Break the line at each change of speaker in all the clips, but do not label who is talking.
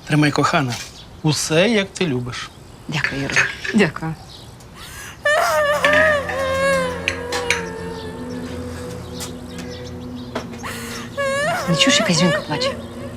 Тримай, кохана. Усе, як ти любиш.
Дякую, Юра. Дякую. Не чуєш, якась жінка плаче?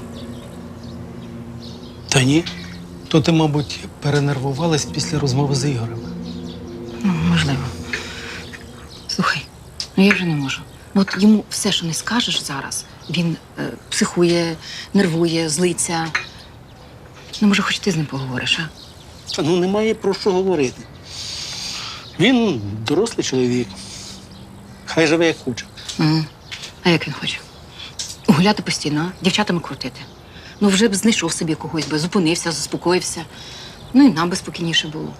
Та ні. То ти, мабуть, перенервувалась після розмови з Ігорем.
Ну, можливо. Слухай, ну я вже не можу. Ну, от йому все, що не скажеш зараз, він психує, нервує, злиться. Ну, може, хоч ти з ним поговориш, а?
Та ну немає про що говорити. Він дорослий чоловік. Хай живе як хоче.
А як він хоче? Гуляти постійно, а? Дівчатами крутити. Ну, вже б знайшов собі когось би, зупинився, заспокоївся. Ну, і нам би спокійніше було.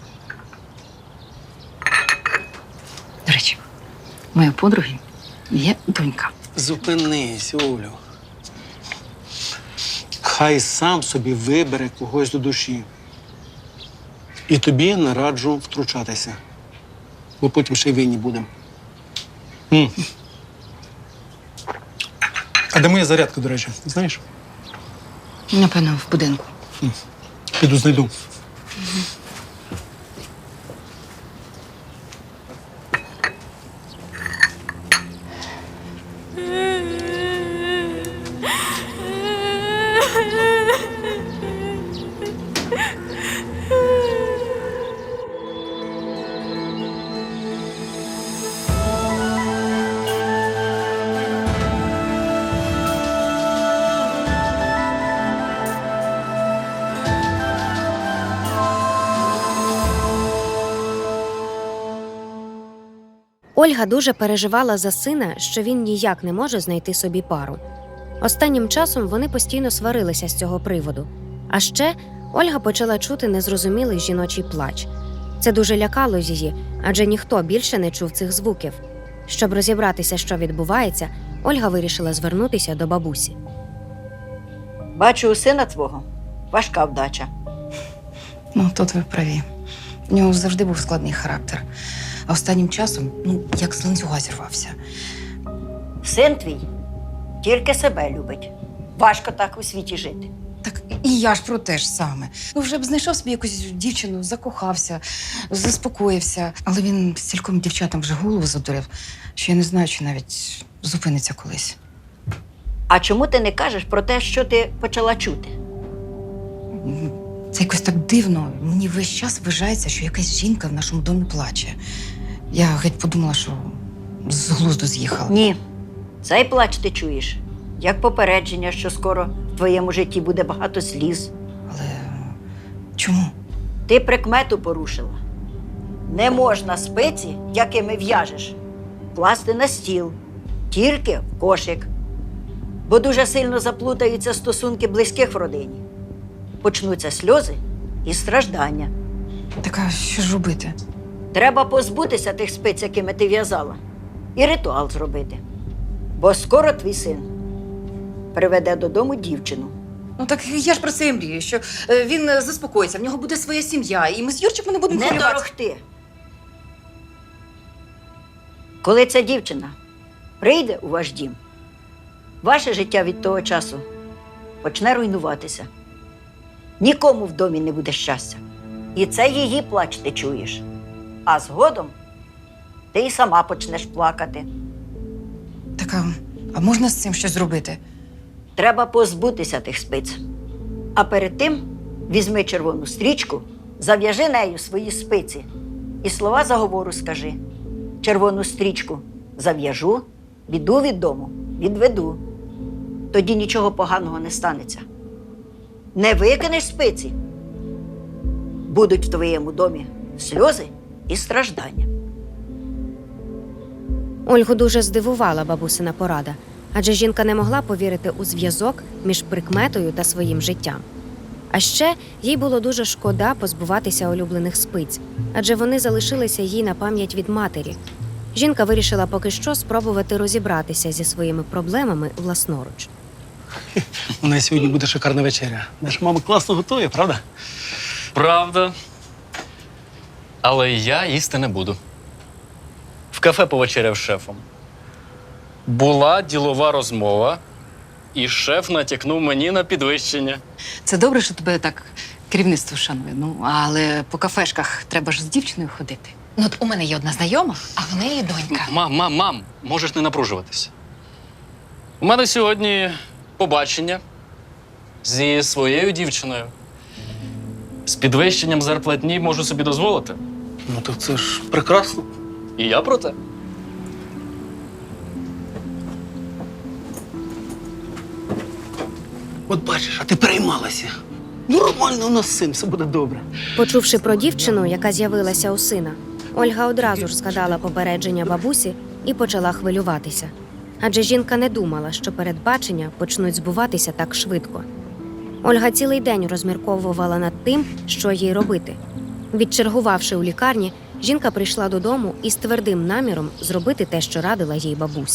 До речі, у моєї подруги є донька.
Зупинись, Олю. Хай сам собі вибере когось до душі. І тобі не раджу втручатися. Бо потім ще й винні будемо. А де моя зарядка, до речі, знаєш?
Напевно, в будинку.
Піду знайду.
Ольга дуже переживала за сина, що він ніяк не може знайти собі пару. Останнім часом вони постійно сварилися з цього приводу. А ще Ольга почала чути незрозумілий жіночий плач. Це дуже лякало її, адже ніхто більше не чув цих звуків. Щоб розібратися, що відбувається, Ольга вирішила звернутися до бабусі.
Бачу, у сина твого важка вдача.
Ну, тут ви праві. У нього завжди був складний характер. А останнім часом, як з ланцюга зірвався.
Син твій тільки себе любить. Важко так у світі жити.
Так і я ж про те ж саме. Ну, вже б знайшов собі якусь дівчину, закохався, заспокоївся. Але він стільком дівчатам вже голову задурив, що я не знаю, чи навіть зупиниться колись.
А чому ти не кажеш про те, що ти почала чути?
Це якось так дивно. Мені весь час вважається, що якась жінка в нашому домі плаче. Я геть подумала, що з глузду з'їхала.
Ні. Цей плач ти чуєш, як попередження, що скоро в твоєму житті буде багато сліз.
Але чому?
Ти прикмету порушила. Не можна спиці, якими в'яжеш, класти на стіл, тільки в кошик. Бо дуже сильно заплутаються стосунки близьких в родині. Почнуться сльози і страждання.
Так а що ж робити?
Треба позбутися тих спиць, якими ти в'язала, і ритуал зробити. Бо скоро твій син приведе додому дівчину.
Ну так я ж про це і мрію, що він заспокоїться, в нього буде своя сім'я, і ми з Юрчиком не будемо
Не
хвилюватися.
торохти. Коли ця дівчина прийде у ваш дім, ваше життя від того часу почне руйнуватися. Нікому в домі не буде щастя. І це її плач ти чуєш. А згодом ти й сама почнеш плакати.
Так, а можна з цим щось зробити?
Треба позбутися тих спиць. А перед тим візьми червону стрічку, зав'яжи нею свої спиці і слова заговору скажи. Червону стрічку зав'яжу, біду від дому відведу. Тоді нічого поганого не станеться. Не викинеш спиці, будуть в твоєму домі сльози і страждання.
Ольгу дуже здивувала бабусина порада, адже жінка не могла повірити у зв'язок між прикметою та своїм життям. А ще їй було дуже шкода позбуватися улюблених спиць, адже вони залишилися їй на пам'ять від матері. Жінка вирішила поки що спробувати розібратися зі своїми проблемами власноруч.
У нас сьогодні буде шикарна вечеря. Наша мама класно готує, правда?
Правда. Але я їсти не буду. В кафе повечеряв з шефом. Була ділова розмова, і шеф натякнув мені на підвищення.
Це добре, що тебе так керівництво шанує. Ну, але по кафешках треба ж з дівчиною ходити. Ну, от у мене є одна знайома, а в неї донька.
Мам, можеш не напружуватися. У мене сьогодні побачення зі своєю дівчиною. З підвищенням зарплатні можу собі дозволити.
Ну то це ж прекрасно.
І я про те.
От бачиш, а ти переймалася. Нормально у нас син, все буде добре.
Почувши про дівчину, яка з'явилася у сина, Ольга одразу ж згадала попередження бабусі і почала хвилюватися. Адже жінка не думала, що передбачення почнуть збуватися так швидко. Ольга цілий день розмірковувала над тим, що їй робити. Відчергувавши у лікарні, жінка прийшла додому із твердим наміром зробити те, що радила їй бабуся.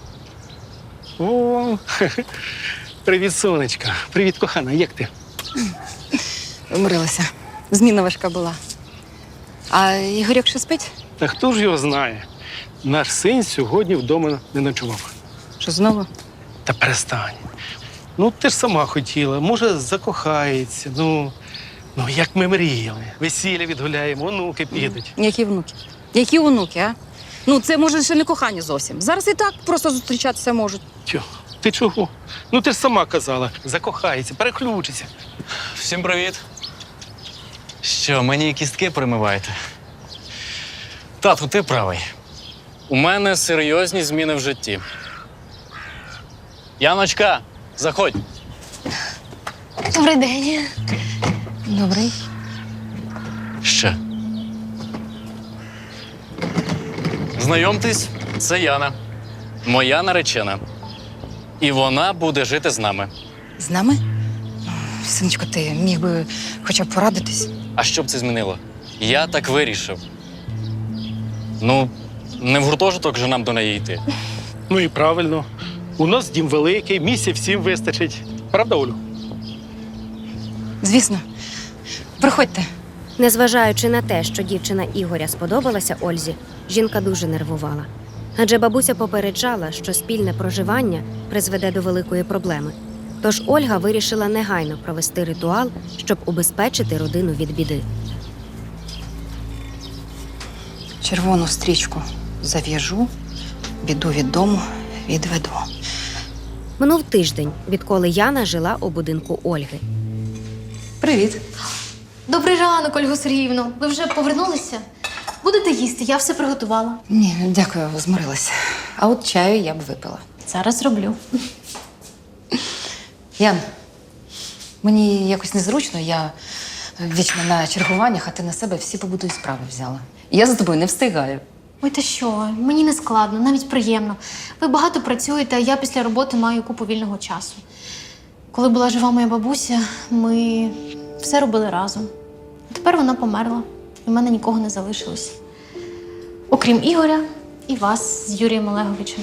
О, привіт, сонечка. Привіт, кохана, як ти?
Вмирилася. Зміна важка була. А Ігорьок ще спить?
Та хто ж його знає? Наш син сьогодні вдома не ночував.
Що знову?
Та перестань. Ну, ти ж сама хотіла, може, закохається. Ну, як ми мріяли. Весілля відгуляємо, онуки підуть.
Які внуки? Які онуки, а? Ну, це, може, ще не кохання зовсім. Зараз і так просто зустрічатися можуть.
Тьо, ти чого? Ну, ти ж сама казала, закохається, переключиться.
Всім привіт. Що, мені кістки примиваєте? Тату, ти правий. У мене серйозні зміни в житті. Яночка, заходь.
Добрий день.
Добрий.
Ще. Знайомтесь, це Яна. Моя наречена. І вона буде жити з нами.
З нами? Синочко, ти міг би хоча б порадитись?
А що б це змінило? Я так вирішив. Ну, не в гуртожиток же нам до неї йти.
Ну і правильно. У нас дім великий, місця всім вистачить. Правда, Олю?
Звісно. Приходьте.
Незважаючи на те, що дівчина Ігоря сподобалася Ользі, жінка дуже нервувала. Адже бабуся попереджала, що спільне проживання призведе до великої проблеми. Тож Ольга вирішила негайно провести ритуал, щоб убезпечити родину від біди.
Червону стрічку зав'яжу, біду від дому відведу.
Минув тиждень, відколи Яна жила у будинку Ольги.
Привіт.
Добрий ранок, Ольго Сергіївно. Ви вже повернулися? Будете їсти, я все приготувала.
Ні, дякую, змирилася. А от чаю я б випила.
Зараз зроблю.
Ян, мені якось незручно, я вічно на чергуваннях, а ти на себе всі побутові справи взяла. Я за тобою не встигаю.
Ой, та що, мені не складно, навіть приємно. Ви багато працюєте, а я після роботи маю купу вільного часу. Коли була жива моя бабуся, ми все робили разом. А тепер вона померла, і в мене нікого не залишилось. Окрім Ігоря і вас з Юрієм Олеговичем.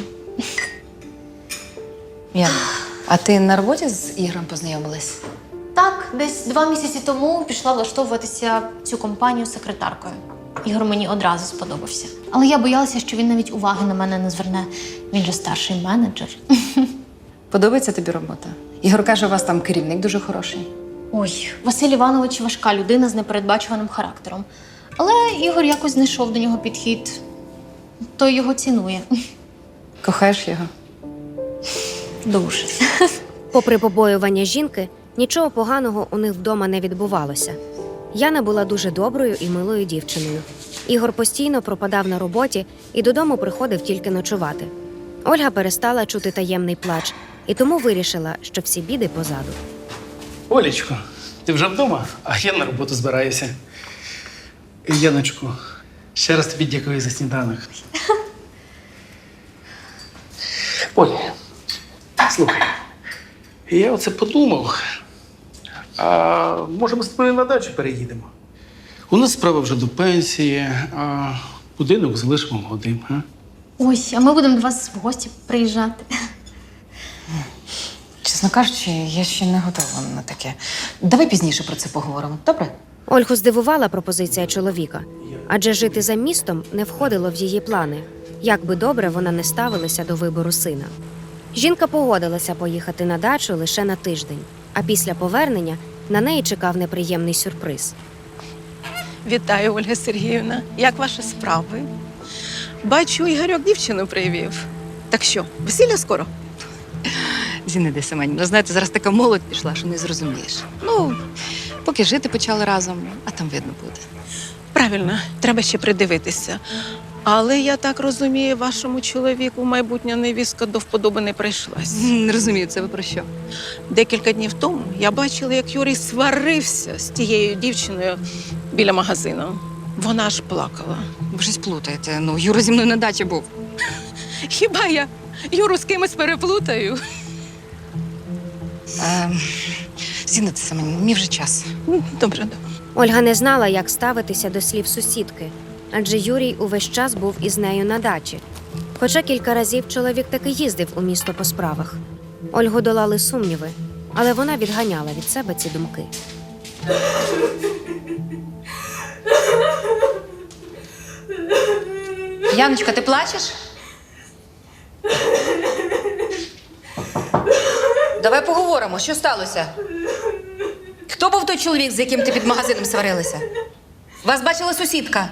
Ян, а ти на роботі з Ігорем познайомилась?
Так, десь 2 місяці тому пішла влаштовуватися в цю компанію секретаркою. Ігор мені одразу сподобався. Але я боялася, що він навіть уваги на мене не зверне. Він же старший менеджер.
Подобається тобі робота? Ігор каже, у вас там керівник дуже хороший.
Ой, Василь Іванович важка людина з непередбачуваним характером. Але Ігор якось знайшов до нього підхід. Той його цінує.
Кохаєш його?
Дуже.
Попри побоювання жінки, нічого поганого у них вдома не відбувалося. Яна була дуже доброю і милою дівчиною. Ігор постійно пропадав на роботі і додому приходив тільки ночувати. Ольга перестала чути таємний плач і тому вирішила, що всі біди позаду.
Олечко, ти вже вдома? А я на роботу збираюся. Яночко, ще раз тобі дякую за сніданок. Оля, слухай, я оце подумав. А може ми з тобою на дачу переїдемо? У нас справа вже до пенсії, а будинок залишимо молодим, а?
Ой, а ми будемо до вас в гості приїжджати.
Чесно кажучи, я ще не готова на таке. Давай пізніше про це поговоримо, добре?
Ольгу здивувала пропозиція чоловіка, адже жити за містом не входило в її плани, як би добре вона не ставилася до вибору сина. Жінка погодилася поїхати на дачу лише на тиждень, а після повернення на неї чекав неприємний сюрприз.
Вітаю, Ольга Сергіївна. Як ваші справи? Бачу, Ігорьок дівчину привів. Так що, весілля скоро?
Зінаида Семенівна, знаєте, зараз така молодь пішла, що не зрозумієш. Ну, поки жити почали разом, а там видно буде.
Правильно, треба ще придивитися. Але я так розумію, вашому чоловіку майбутня невістка до вподоби не прийшлась.
Не розумію, це ви про що?
Декілька днів тому я бачила, як Юрій сварився з тією дівчиною біля магазину. Вона аж плакала.
Ви щось плутаєте. Ну, Юра зі мною на дачі був.
Хіба я Юру з кимось переплутаю?
Зінаида Семенівна, мені вже час.
Добре, добре.
Ольга не знала, як ставитися до слів сусідки, адже Юрій увесь час був із нею на дачі. Хоча кілька разів чоловік таки їздив у місто по справах. Ольгу долали сумніви, але вона відганяла від себе ці думки.
Яночка, ти плачеш? Давай поговоримо, що сталося? Хто був той чоловік, з яким ти під магазином сварилася? Вас бачила сусідка?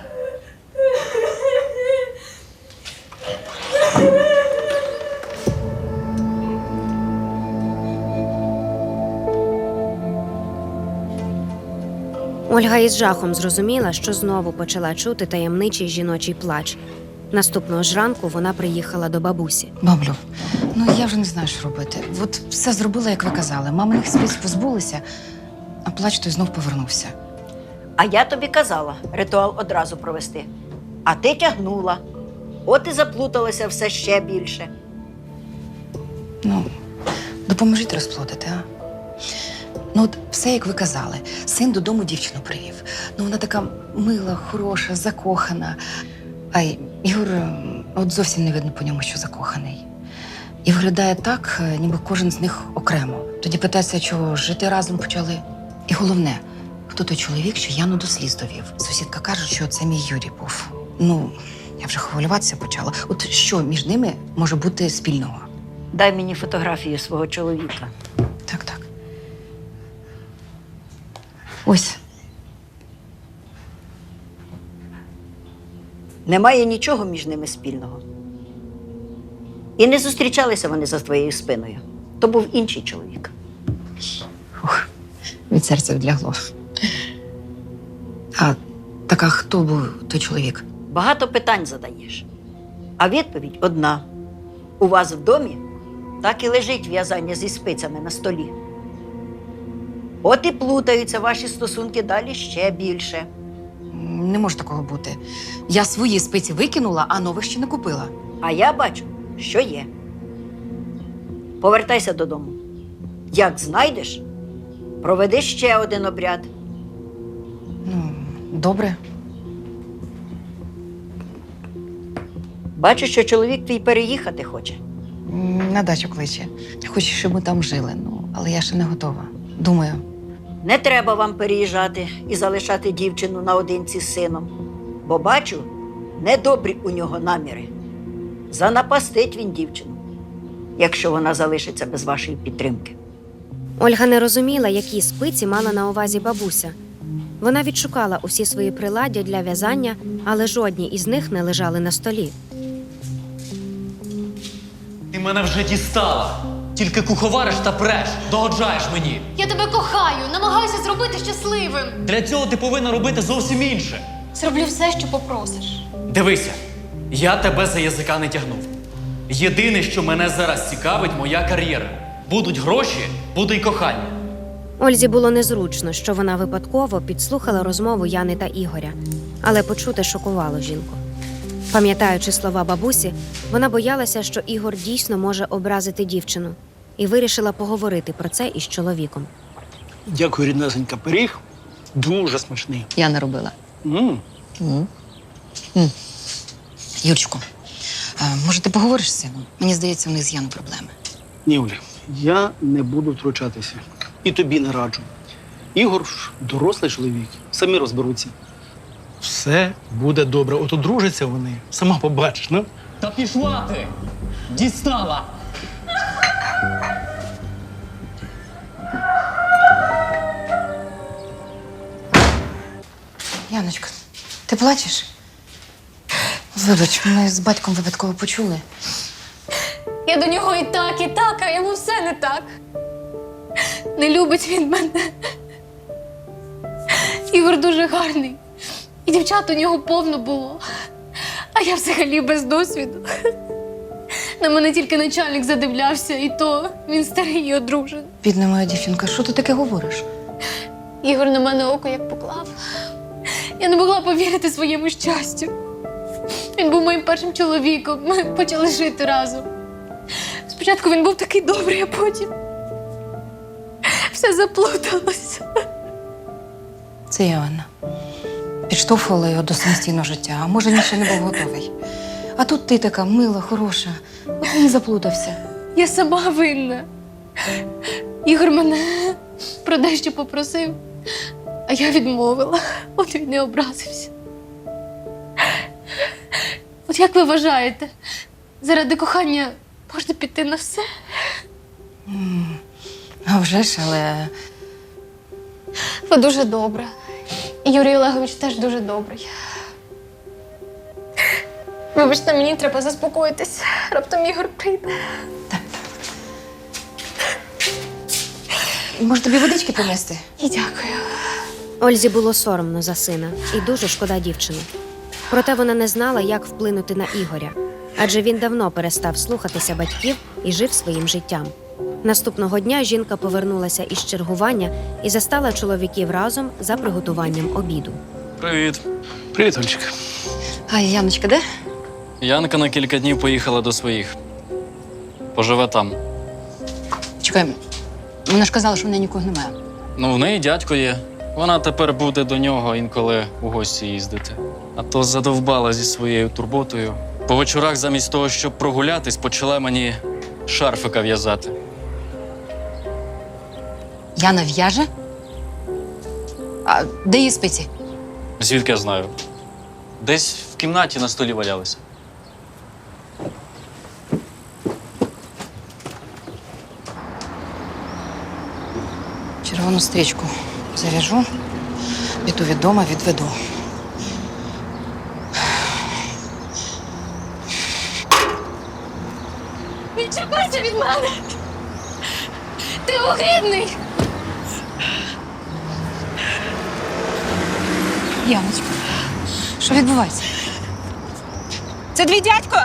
Ольга із жахом зрозуміла, що знову почала чути таємничий жіночий плач. Наступного ж ранку вона приїхала до бабусі.
Баблю, ну я вже не знаю, що робити. От все зробила, як ви казали. Маминих спиць позбулися, а плач той знов повернувся.
А я тобі казала ритуал одразу провести. А ти тягнула. От і заплуталося все ще більше.
Ну, допоможіть розплодити, а? Ну, от все, як ви казали. Син додому дівчину привів. Ну, вона така мила, хороша, закохана. А Ігор, от зовсім не видно по ньому, що закоханий. І виглядає так, ніби кожен з них окремо. Тоді питається, чого жити разом почали. І головне, хто той чоловік, що Яну до сліз довів. Сусідка каже, що це мій Юрій був. Ну, я вже хвилюватися почала. От що між ними може бути спільного?
Дай мені фотографію свого чоловіка.
Так, так. Ось.
Немає нічого між ними спільного. І не зустрічалися вони за твоєю спиною. То був інший чоловік.
Ух, від серця відлягло. А така хто був той чоловік?
Багато питань задаєш. А відповідь одна. У вас в домі так і лежить в'язання зі спицями на столі. От і плутаються ваші стосунки далі ще більше.
Не може такого бути. Я свої спиці викинула, а нових ще не купила.
А я бачу, що є. Повертайся додому. Як знайдеш, проведи ще один обряд.
Ну, добре.
Бачу, що чоловік твій переїхати хоче.
На дачу кличе. Хоче, щоб ми там жили, ну, але я ще не готова. Думаю.
Не треба вам переїжджати і залишати дівчину наодинці з сином. Бо бачу, недобрі у нього наміри. Занапастить він дівчину, якщо вона залишиться без вашої підтримки.
Ольга не розуміла, які спиці мала на увазі бабуся. Вона відшукала усі свої приладдя для в'язання, але жодні із них не лежали на столі.
Ти мене вже дістала. Тільки куховариш та преш, догоджаєш мені.
Я тебе кохаю, намагаюся зробити щасливим.
Для цього ти повинна робити зовсім інше.
Зроблю все, що попросиш.
Дивися, я тебе за язика не тягнув. Єдине, що мене зараз цікавить, моя кар'єра. Будуть гроші, буде й кохання.
Ользі було незручно, що вона випадково підслухала розмову Яни та Ігоря, але почуте шокувало жінку. Пам'ятаючи слова бабусі, вона боялася, що Ігор дійсно може образити дівчину, і вирішила поговорити про це із чоловіком.
Дякую, ріднесенька, пиріг. Дуже смачний.
Я не робила. Юрчику, може ти поговориш з сином? Мені здається, в них з Яну проблеми.
Ні, Оля, я не буду втручатися. І тобі не раджу. Ігор ж дорослий чоловік, самі розберуться. Все буде добре. От одружаться вони, сама побачиш, ну?
Та пішла ти! Дістала!
Яночка, ти плачеш? Вибач, ми з батьком випадково почули.
Я до нього і так, а йому все не так. Не любить він мене. Ігор дуже гарний. І дівчат у нього повно було. А я взагалі без досвіду. На мене тільки начальник задивлявся, і то він старий і одружений.
Бідна моя дівчинка, що ти таке говориш?
Ігор на мене око як поклав. Я не могла повірити своєму щастю. Він був моїм першим чоловіком. Ми почали жити разом. Спочатку він був такий добрий, а потім все заплуталося.
Це я, Анна. Підштовхувала його до самостійного життя, а може, він ще не був готовий. А тут ти така мила, хороша. От він і заплутався.
Я сама винна. Ігор мене про дещо попросив, а я відмовила. От він не образився. От як ви вважаєте, заради кохання можна піти на все?
А вже ж, але
Ви дуже добра. І Юрій Олегович теж дуже добрий. Вибачте, мені треба заспокоїтись. Раптом Ігор прийде.
може тобі водички принести?
І дякую.
Ользі було соромно за сина і дуже шкода дівчини. Проте вона не знала, як вплинути на Ігоря, адже він давно перестав слухатися батьків і жив своїм життям. Наступного дня жінка повернулася із чергування і застала чоловіків разом за приготуванням обіду.
Привіт.
Привіт, Ольчик.
А Яночка де?
Янка на кілька днів поїхала до своїх. Поживе там.
Чекай, вона ж казала, що в неї нікого немає.
Ну, в неї дядько є. Вона тепер буде до нього інколи у гості їздити. А то задовбала зі своєю турботою. По вечорах замість того, щоб прогулятись, почала мені шарфика в'язати.
Яна в'яже? А де її спиці?
Звідки я знаю? Десь в кімнаті на столі валялися.
Червону стрічку зав'яжу, піду від дома, відведу.
Відчепися від мене! Ти огидний!
Яночка, що відбувається?
Це твій дядько?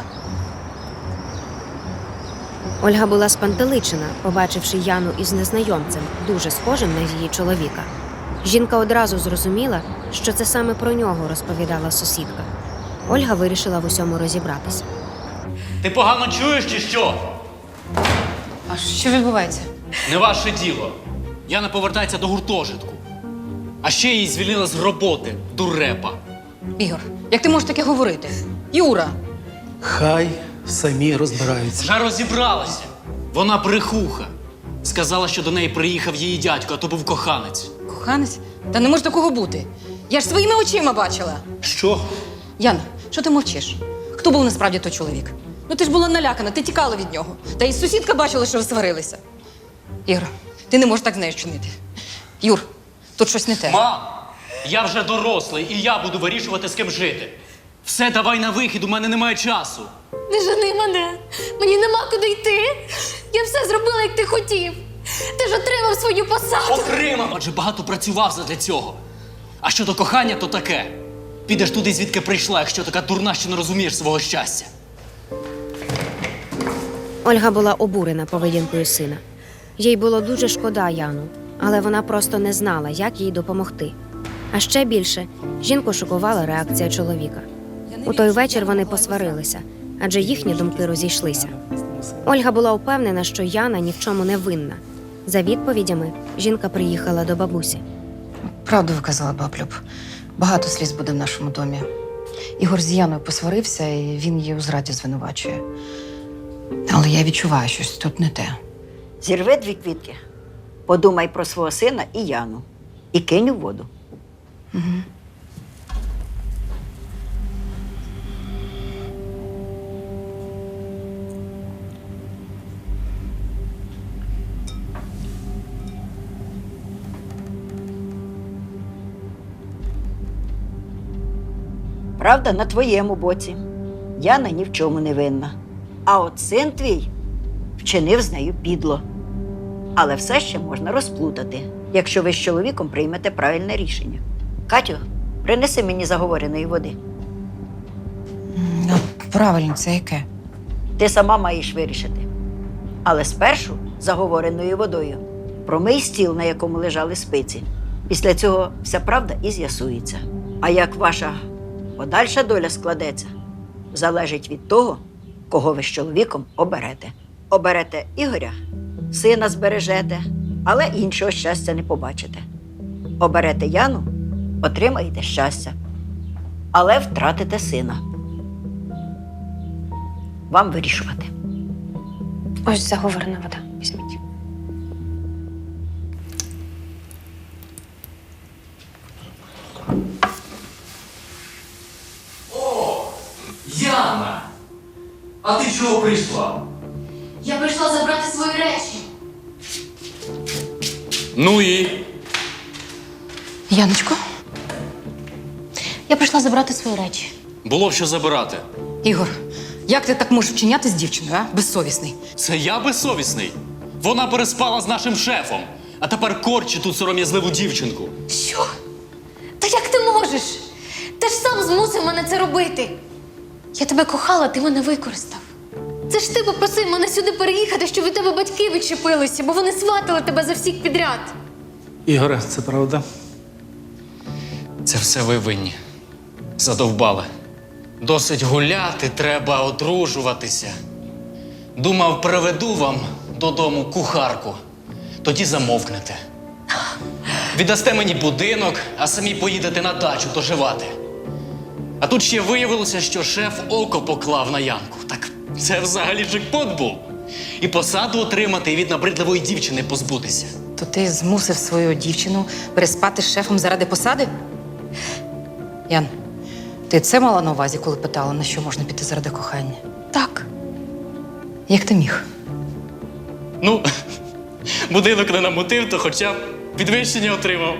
Ольга була спантеличена, побачивши Яну із незнайомцем, дуже схожим на її чоловіка. Жінка одразу зрозуміла, що це саме про нього розповідала сусідка. Ольга вирішила в усьому розібратися.
Ти погано чуєш чи що?
А що відбувається?
Не ваше діло. Яна повертається до гуртожитку. А ще її звільнили з роботи, дурепа.
Ігор, як ти можеш таке говорити? Юра!
Хай самі розбираються.
Вже розібралася. Вона брехуха. Сказала, що до неї приїхав її дядько, а то був коханець.
Коханець? Та не може такого бути. Я ж своїми очима бачила.
Що?
Яна, що ти мовчиш? Хто був насправді той чоловік? Ну ти ж була налякана, ти тікала від нього. Та і сусідка бачила, що ви сварилися. Ігор, ти не можеш так з нею чинити. Юр, тут щось не те.
Мам, я вже дорослий, і я буду вирішувати, з ким жити. Все, давай на вихід, у мене немає часу.
Не жени мене! Мені нема куди йти! Я все зробила, як ти хотів! Ти ж отримав свою посаду!
Отримав, адже багато працював задля цього. А щодо кохання, то таке. Підеш туди, звідки прийшла, якщо така дурна, що не розумієш свого щастя.
Ольга була обурена поведінкою сина. Їй було дуже шкода Яну, але вона просто не знала, як їй допомогти. А ще більше жінку шокувала реакція чоловіка. У той вечір вони посварилися, адже їхні думки розійшлися. Ольга була впевнена, що Яна ні в чому не винна. За відповідями жінка приїхала до бабусі.
Правду ви казала, баблюб. Багато сліз буде в нашому домі. Ігор з Яною посварився, і він її у зраді звинувачує. Але я відчуваю, щось тут не те.
Зірви 2 квітки, подумай про свого сина і Яну. І кинь у воду. Правда на твоєму боці. Яна ні в чому не винна. А от син твій вчинив з нею підло. Але все ще можна розплутати, якщо ви з чоловіком приймете правильне рішення. Катю, принеси мені заговореної води.
Ну, правильно, це яке?
Ти сама маєш вирішити. Але спершу заговореною водою промий стіл, на якому лежали спиці. Після цього вся правда і з'ясується. А як ваша подальша доля складеться, залежить від того, кого ви з чоловіком оберете. Оберете Ігоря, сина збережете, але іншого щастя не побачите. Оберете Яну, отримаєте щастя, але втратите сина. Вам вирішувати.
Ось заговорена вода. Візьміть.
Яна! А ти чого прийшла?
Я прийшла забрати свої речі.
Ну і?
Яночко,
Я прийшла забрати свої речі.
Було б що забирати.
Ігор, як ти так можеш вчиняти з дівчиною, а? Безсовісний.
Це я безсовісний. Вона переспала з нашим шефом, а тепер корчить тут сором'язливу дівчинку.
Що? Та як ти можеш? Ти ж сам змусив мене це робити. Я тебе кохала, ти мене використав. Це ж ти попросив мене сюди переїхати, щоб від тебе батьки відчепилися, бо вони сватали тебе за всіх підряд.
Ігоре, це правда?
Це все ви винні. Задовбали. Досить гуляти, треба одружуватися. Думав, приведу вам додому кухарку. Тоді замовкнете. Віддасте мені будинок, а самі поїдете на дачу доживати. А тут ще виявилося, що шеф око поклав на Янку. Так це взагалі джекпот був. І посаду отримати, і від набридливої дівчини позбутися.
То ти змусив свою дівчину переспати з шефом заради посади? Ян, ти це мала на увазі, коли питала, на що можна піти заради кохання?
Так.
Як ти міг?
Ну, будинок не намутив, то хоча б підвищення отримав.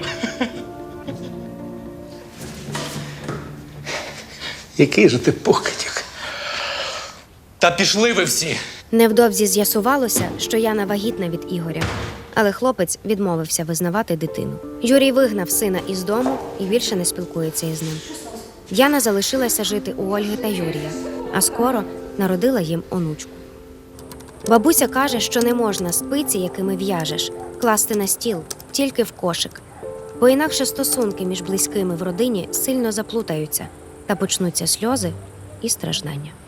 Який же ти покидьок?
Та пішли ви всі.
Невдовзі з'ясувалося, що Яна вагітна від Ігоря, але хлопець відмовився визнавати дитину. Юрій вигнав сина із дому і більше не спілкується із ним. Яна залишилася жити у Ольги та Юрія, а скоро народила їм онучку. Бабуся каже, що не можна спиці, якими в'яжеш, класти на стіл, тільки в кошик, бо інакше стосунки між близькими в родині сильно заплутаються та почнуться сльози і страждання.